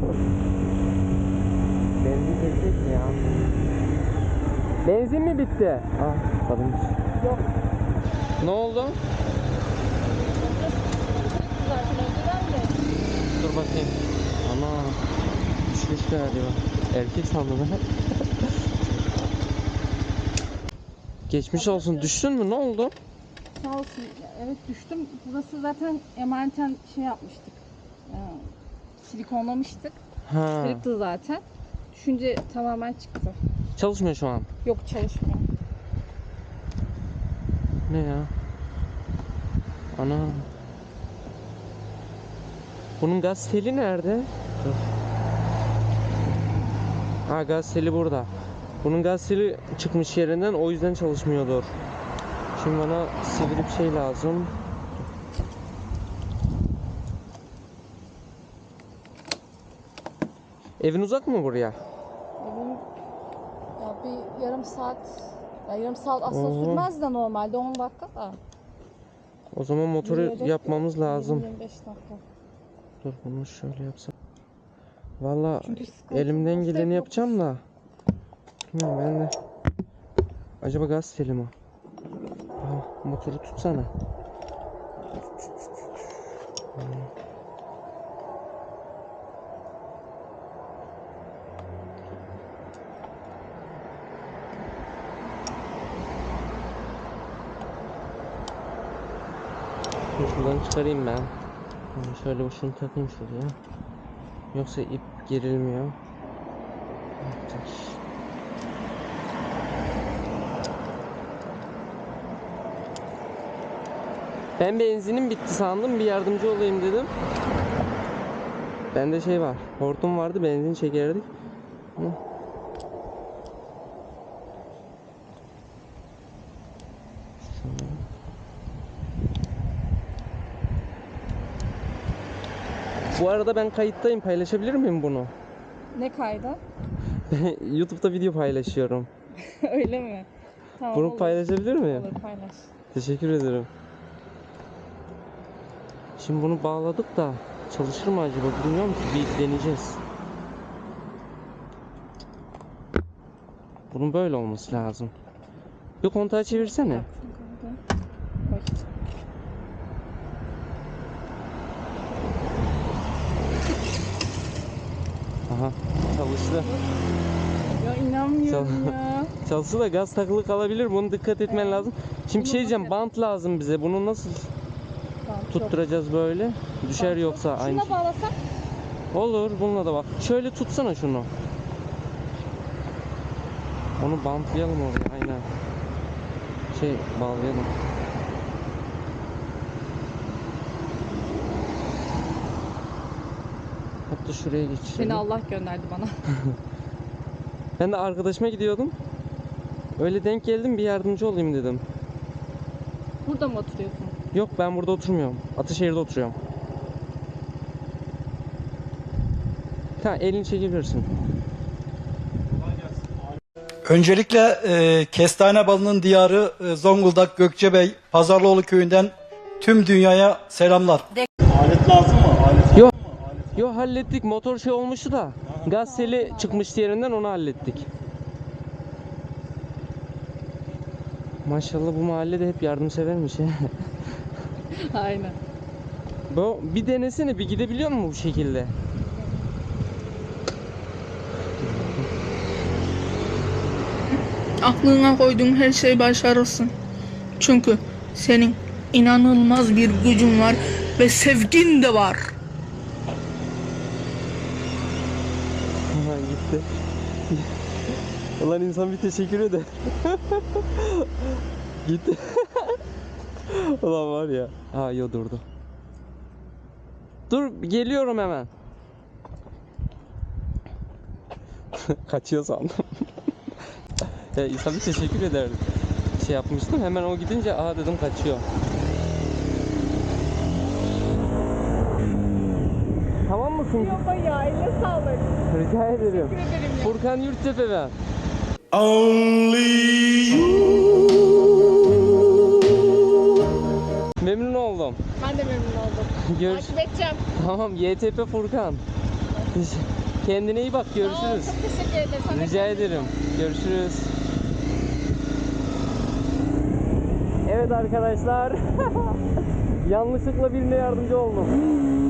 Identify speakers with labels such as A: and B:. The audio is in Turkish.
A: Benzin gelecek mi ya? Benzin mi bitti? Ah, kadınmış.
B: Yok.
A: Ne oldu?
B: Zaten önceden de.
A: Dur bakayım. Ana. Düşmüş galiba. Erkek sandım ben. Geçmiş olsun. Düştün mü? Ne oldu?
B: Sağ olsun. Evet düştüm. Burası zaten emaneten şey yapmıştık. Silikonlamıştık.
A: Ha.
B: Kırıktı zaten. Düşünce tamamen çıktı.
A: Çalışmıyor şu an.
B: Yok çalışmıyor.
A: Ne ya? Ana. Bunun gaz teli nerede? Dur. Ha, gaz teli burada. Bunun gaz teli çıkmış yerinden, o yüzden çalışmıyordur. Şimdi bana sivri bir şey lazım. Evin uzak mı buraya?
B: Evim ya bir yarım saat, ya yarım saat aslında
A: Oo.
B: sürmez de normalde 10 dakika da.
A: O zaman motoru
B: Yürüyerek
A: yapmamız lazım.
B: 20-25 dakika.
A: Dur, bunu şöyle yapsam. Valla
B: Çünkü sıkıntı
A: elimden
B: burası
A: geleni
B: hep
A: yapacağım da. Bilmiyorum ben de. Acaba gaz teli mi? Aa, motoru tutsana. Şuradan çıkarayım ben. Şöyle şunu takayım şuraya. Yoksa ip gerilmiyor. Ben benzinim bitti sandım, bir yardımcı olayım dedim. Bende şey var, hortum vardı, benzin çekerdik. Bu arada ben kayıttayım, paylaşabilir miyim bunu?
B: Ne kaydı?
A: YouTube'da video paylaşıyorum.
B: Öyle mi? Tamam,
A: Bunu
B: olur.
A: paylaşabilir miyim?
B: Olur, paylaş.
A: Teşekkür ederim. Şimdi bunu bağladık da çalışır mı acaba bilmiyorum ki, bir deneyeceğiz. Bunun böyle olması lazım. Bir kontağı çevirsene. Aha, çalıştı.
B: Ya inanmıyorum ya.
A: Çalıştı da gaz takılı kalabilir. Bunu dikkat etmen lazım. Şimdi
B: Bunu
A: şey diyeceğim,
B: nasıl
A: bant lazım bize. Bunu nasıl
B: Tamam,
A: tutturacağız böyle? Düşer yoksa aynı
B: Şuna
A: şey.
B: bağlasak?
A: Olur, bununla da bak. Şöyle tutsana şunu. Onu bantlayalım oraya, aynen. Şey, bağlayalım. Hatta şuraya geçelim.
B: Seni Allah gönderdi bana.
A: Ben de arkadaşıma gidiyordum. Öyle denk geldim, bir yardımcı olayım dedim.
B: Burada mı oturuyorsun?
A: Yok, ben burada oturmuyorum. Ataşehir'de oturuyorum. Tamam, elini çekebilirsin.
C: Öncelikle kestane balının diyarı Zonguldak Gökçebey Pazarlıoğlu köyünden tüm dünyaya selamlar.
D: Alet lazım mı? Alet
A: Yok. Yok, hallettik. Motor şey olmuştu da. Gaz teli çıkmıştı yerinden, onu hallettik. Maşallah bu mahallede hep yardımsevermiş ya.
B: Aynen.
A: Bu bir denesene, bir gidebiliyor mu bu şekilde?
E: Aklına koyduğun her şeyi başarırsın. Çünkü senin inanılmaz bir gücün var ve sevgin de var.
A: Aha, gitti. Ulan insan bir teşekkür eder. Gitti. Ulan var ya. Ha, yo, durdu. Dur, geliyorum hemen. Kaçıyor sandım. Ya insan bir teşekkür eder. Şey yapmıştım, hemen o gidince aha dedim kaçıyor. Tamam mısın?
B: Yok ya, eline sağlık.
A: Rica ederim.
B: Teşekkür ederim ya.
A: Furkan Yurttepe ben. Memnun oldum.
B: Ben de memnun oldum.
A: Görüş.
B: Takip edeceğim.
A: Tamam, YTP Furkan. Kendine iyi bak, görüşürüz.
B: Çok teşekkür ederim. Sen de
A: Rica
B: kendine iyi
A: ederim.
B: bak.
A: Görüşürüz. Evet arkadaşlar. Yanlışlıkla birine yardımcı oldum.